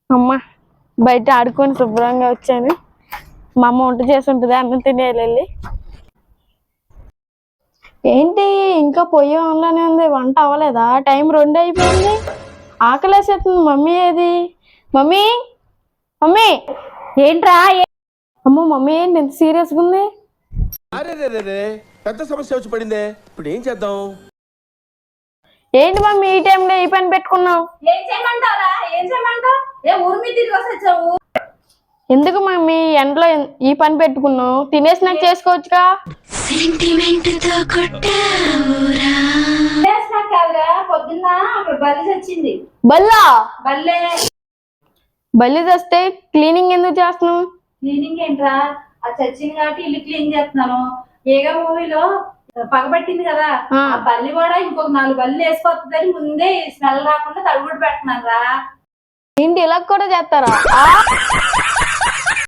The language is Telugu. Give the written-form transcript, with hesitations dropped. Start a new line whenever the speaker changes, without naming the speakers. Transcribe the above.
అమ్మ బయట ఆడుకొని శుభ్రంగా వచ్చాను. మా అమ్మ వంట చేసి ఉంటుంది, అన్నం తినేయాలి వెళ్ళి. ఏంటి ఇంకా పొయ్యి ఆన్లోనే ఉంది, వంట అవ్వలేదా? టైం 2 అయిపోయింది. ఆకలేసేస్తుంది. మమ్మీ ఏది? మమ్మీ మమ్మీ
ఏంట్రా?
అమ్మో మమ్మీ ఏంటి ఎంత సీరియస్గా ఉంది?
అరే పెద్ద సమస్య వచ్చి పడిందే, ఇప్పుడు ఏం చేద్దాం?
ఏంటి మమ్మీ ఈ టైంలో ఈ పని పెట్టుకున్నావు?
ఏం చేయమంటారా? ఏం చేయమంటావు? ఊరి మీద తిరిగి వచ్చావు?
ఎందుకు మమ్మీ ఎండలో ఈ పని పెట్టుకున్నావు? తినేసి నాకు చేసుకోవచ్చుగా.
పొద్దున్న అక్కడ బల్లి చచ్చింది.
బల్లా?
బల్లే.
బల్లి చస్తే క్లీనింగ్ ఎందుకు చేస్తున్నావు?
క్లీనింగ్ ఏంట్రా? అది చచ్చింది కాబట్టి ఇల్లు క్లీన్ చేస్తున్నాను. ఏగా మూవీలో పగబట్టింది కదా, ఆ బల్లి కూడా ఇంకొక 4 బల్లి వేసుకొస్తుందని ముందే స్మెల్ రాకుండా తడుగుడు పెడుతున్నాను రా.
ఏంటి ఇలా కూడా చేస్తారా?